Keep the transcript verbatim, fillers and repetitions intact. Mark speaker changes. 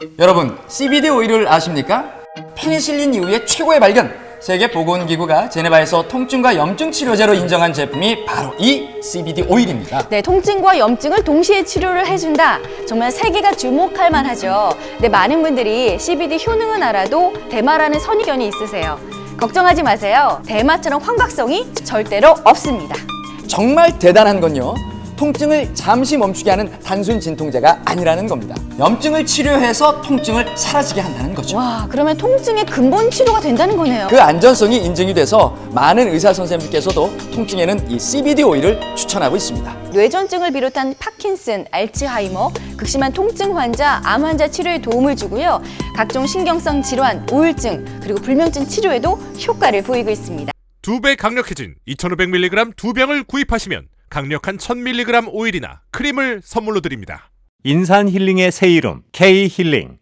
Speaker 1: 여러분, 씨비디 오일을 아십니까? 페니실린 이후의 최고의 발견! 세계보건기구가 제네바에서 통증과 염증 치료제로 인정한 제품이 바로 이 씨비디 오일입니다.
Speaker 2: 네, 통증과 염증을 동시에 치료를 해준다. 정말 세계가 주목할 만하죠. 네, 많은 분들이 씨비디 효능은 알아도 대마라는 선입견이 있으세요. 걱정하지 마세요. 대마처럼 환각성이 절대로 없습니다.
Speaker 1: 정말 대단한 건요, 통증을 잠시 멈추게 하는 단순 진통제가 아니라는 겁니다. 염증을 치료해서 통증을 사라지게 한다는 거죠.
Speaker 2: 와, 그러면 통증의 근본 치료가 된다는 거네요.
Speaker 1: 그 안전성이 인증이 돼서 많은 의사 선생님께서도 통증에는 이 씨비디 오일을 추천하고 있습니다.
Speaker 2: 뇌전증을 비롯한 파킨슨, 알츠하이머, 극심한 통증 환자, 암 환자 치료에 도움을 주고요. 각종 신경성 질환, 우울증, 그리고 불면증 치료에도 효과를 보이고 있습니다.
Speaker 3: 두 배 강력해진 이천오백 밀리그램 두 병을 구입하시면 강력한 천 밀리그램 오일이나 크림을 선물로 드립니다.
Speaker 4: 인산 힐링의 새 이름 K 힐링.